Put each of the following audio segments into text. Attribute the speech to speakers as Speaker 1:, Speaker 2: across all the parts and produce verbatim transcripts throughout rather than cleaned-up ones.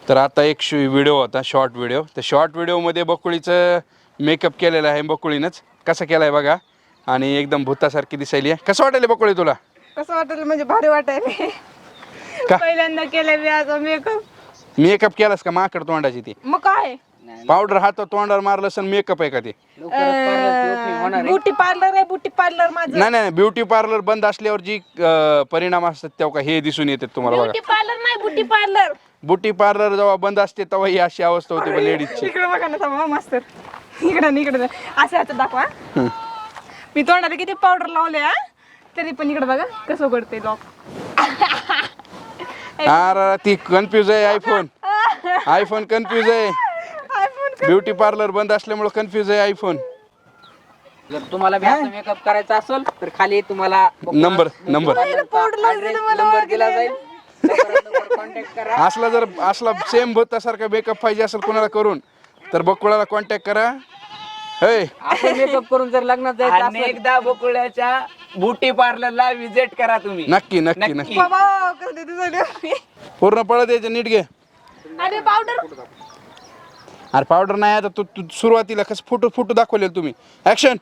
Speaker 1: तर आता एक व्हिडिओ होता, शॉर्ट व्हिडिओ. त्या शॉर्ट व्हिडिओमध्ये बकुळीचं मेकअप केलेलं आहे बकुळीनंच. कसं केलं आहे बघा, आणि एकदम भूतासारखी दिसायली आहे. कसं वाटेल बकुळी तुला?
Speaker 2: कसं वाटेल म्हणजे भारी वाटायला.
Speaker 1: का
Speaker 2: पहिल्यांदा केलं मी आज मेकअप.
Speaker 1: मेकअप केलास का माकड तोंडाची ती?
Speaker 2: मग काय
Speaker 1: पावडर हात तोंडावर मारलं असं मेकअप आहे का ते?
Speaker 2: ब्युटी पार्लर आहे, ब्युटी पार्लर माझं.
Speaker 1: नाही नाही, ब्युटी पार्लर बंद असल्यावर जी अं, परिणाम असतात तेव्हा हे दिसून येतात तुम्हाला बघा.
Speaker 2: ब्युटी पार्लर नाही, ब्युटी पार्लर.
Speaker 1: ब्युटी पार्लर जेव्हा बंद असते तेव्हा ही अशी अवस्था होते लेडीजची.
Speaker 2: इकडे बघा ना थांबा मास्तर. इकडे इकडे असं हात दाखवा. मी तोंडाला किती पावडर लावले हा, तरी पण इकडे बघा कसं उघडते लॉक.
Speaker 1: अरे ती कन्फ्यूज आहे. आयफोन आयफोन कन्फ्यूज आहे. ब्युटी पार्लर बंद असल्यामुळे कन्फ्यूज आहे आयफोन.
Speaker 3: जर तुम्हाला मेकअप करायचा असेल तर खाली तुम्हाला
Speaker 1: नंबर नंबर
Speaker 3: नंबर दिला जाईल. कॉन्टॅक्ट करा.
Speaker 1: असला जर असला सेम भूतासारखा मेकअप पाहिजे असेल कोणाला करून तर बकुळाला कॉन्टॅक्ट करा. हे
Speaker 3: असं मेकअप करून जर लग्नात जायचं असेल
Speaker 4: एकदा बकुळ्याच्या ब्युटी पार्लरला विजिट करा तुम्ही.
Speaker 1: नक्की नक्की नक्की.
Speaker 2: बाबा कसं दिसले.
Speaker 1: पूर्ण पळत यायचं नीट घे.
Speaker 2: अरे पावडर
Speaker 1: अरे पावडर नाही आता तू तू सुरुवातीला कसं फोटो फोटो दाखवले तुम्ही. ऍक्शन.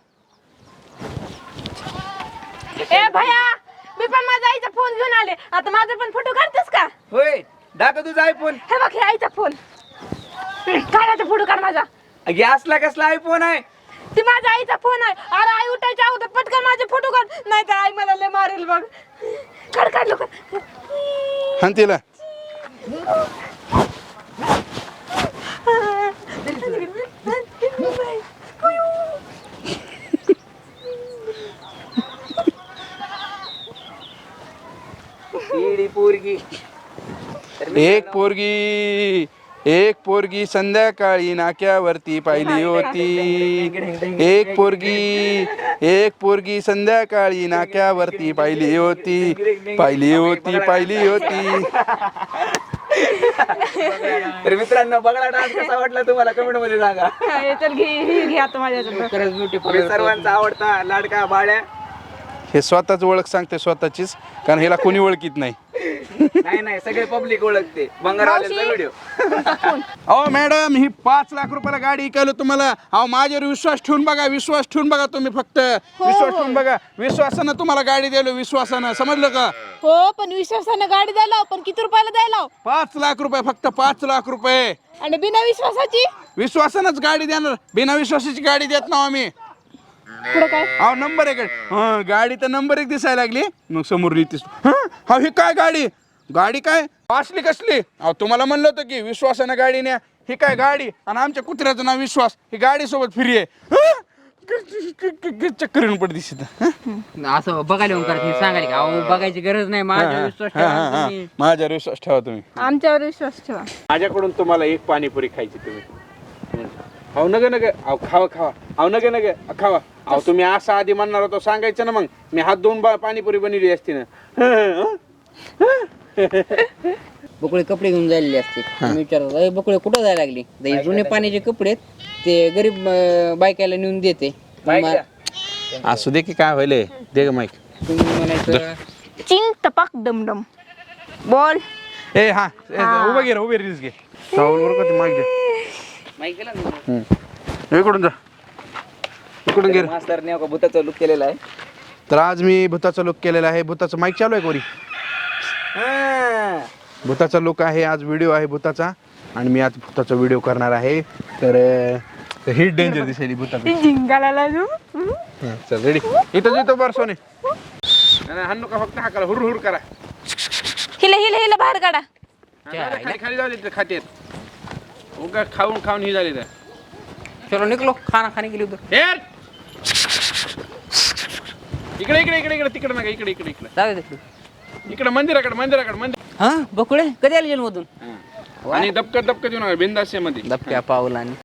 Speaker 2: ए भया, मी पण माझ्या आईचा फोन घेऊन आले. आता माझा पण फोटो काढतेस का?
Speaker 4: होय, दाखव तुझा आयफोन.
Speaker 2: हे बघ, हे आईचा फोन. काढायचा फोटो काढ माझा.
Speaker 4: गॅसला कसला आयफोन आहे?
Speaker 2: ती माझ्या आईचा फोन आहे. अरे आई उठायच्या अगोदर पटकन माझे फोटो काढ, नाही तर आई मला लय मारेल बघ. काढ काढ लवकर.
Speaker 1: हान तिला.
Speaker 4: ईडी पोरगी.
Speaker 1: एक पोरगी एक पोरगी संध्याकाळी नाक्यावरती पाहिली होती. एक पोरगी एक पोरगी संध्याकाळी नाक्यावरती पाहिली होती पाहिली होती पाहिली होती.
Speaker 4: तर मित्रांनो, बघा डान्स कसा वाटला तुम्हाला कमेंट मध्ये सांगा.
Speaker 2: हे चल घे, हे घे आता माझ्याकडे.
Speaker 3: खरंच ब्युटी
Speaker 4: मी सर्वांचा आवडता लाडका बाळ्या.
Speaker 1: हे स्वतःच ओळख सांगते स्वतःचीच, कारण ह्याला कोणी ओळखीत नाही.
Speaker 4: नाही नाही, सगळे पब्लिक ओळखते. बंगारवाल्यांचा व्हिडिओ.
Speaker 1: अहो मॅडम, ही पाच लाख रुपयाला गाडी ऐकायलो तुम्हाला. अहो माझ्यावर विश्वास ठेवून बघा, विश्वास ठेवून बघा तुम्ही. फक्त विश्वास ठेवून बघा. विश्वासानं तुम्हाला गाडी द्यायलो, विश्वासानं. समजलं का?
Speaker 2: हो, पण विश्वासाने गाडी द्यायला, पण किती रुपयाला द्यायला?
Speaker 1: पाच लाख रुपये, फक्त पाच लाख रुपये.
Speaker 2: आणि बिना विश्वासाची
Speaker 1: विश्वासानंच गाडी देणार, बिना विश्वासाची गाडी देत ना आम्ही.
Speaker 2: पुढे काय?
Speaker 1: अहो नंबर एक. हा, गाडी तर नंबर एक दिसायला लागली. मग समोर लिहितीस. हा, ही काय गाडी? गाडी काय असली कसली? अहो तुम्हाला म्हणलं होतं की विश्वासानं गाडी न्या. ही काय गाडी? आणि आमच्या कुत्र्याचं नाव विश्वास. ही गाडी सोबत फ्री आहे. चक्कर येऊन पड दिसत.
Speaker 3: असं बघायला येऊन करत सांगायला का अहो बघायची गरज नाही. माझ्या विश्वास ठेवा तुम्ही.
Speaker 1: माझ्यावर विश्वास ठेवा तुम्ही.
Speaker 2: आमच्यावर विश्वास ठेवा.
Speaker 1: माझ्याकडून तुम्हाला एक पाणीपुरी खायची तुम्ही. अहो नग नग अहो खावा खावा. अहो नग नग खावा. अहो तुम्ही असं आधी म्हणणार होतो सांगायचं ना, मग मी हात धुवून पाणीपुरी बनवली असती ना.
Speaker 3: बकुळे कपडे घेऊन जायलेले असते. मी विचारतो अरे बकुळे कुठं जायला लागली? तर जुने पाण्याचे कपडे आहेत, ते गरीब अं, बायकाला नेऊन देते.
Speaker 1: असू दे की काय होईल. दे ग माईक.
Speaker 3: तुम्ही म्हणायचं
Speaker 2: चिंग टपाक डमडम बोल.
Speaker 1: ए हा उभं घे रे, उभे रिल्स घे. माईक घे.
Speaker 3: माहिती केलं ना?
Speaker 1: इकडून जा, इकडून घे.
Speaker 4: मास्तरने का भूताचा लुक केलेला आहे.
Speaker 1: तर आज मी भूताचा लुक केलेला आहे. भूताचं माईक चालू आहे कोरी. भूताचा लुक आहे आज. व्हिडिओ आहे भूताचा, आणि मी आज भूताचा व्हिडिओ करणार आहे. तर ही डेंजर दिसेल भूताची.
Speaker 2: जिंगाला लागू.
Speaker 1: चल रेडी. इथं येतो बरं सोने. हाणू का फक्त हाकाला हुर हुर करा.
Speaker 2: हिले हिले हिले बाहेर काढा.
Speaker 1: खाली खाली जाऊ दे खातेत. उगा खाऊन खाऊन ही झाली तर.
Speaker 3: चलो निकलो, खाना खाने के लिए उधर.
Speaker 1: ए! इकडे इकडे इकडे इकडे तिकडे नका. इकडे इकडे इकडे
Speaker 3: जाऊ दे.
Speaker 1: इकडे मंदिराकडे मंदिराकडे मंदिर.
Speaker 3: हा बकुळे कधी आले जेलमधून?
Speaker 1: आणि दबकत दबकत येऊन बिंदास मध्ये
Speaker 3: दबक्या पावलाने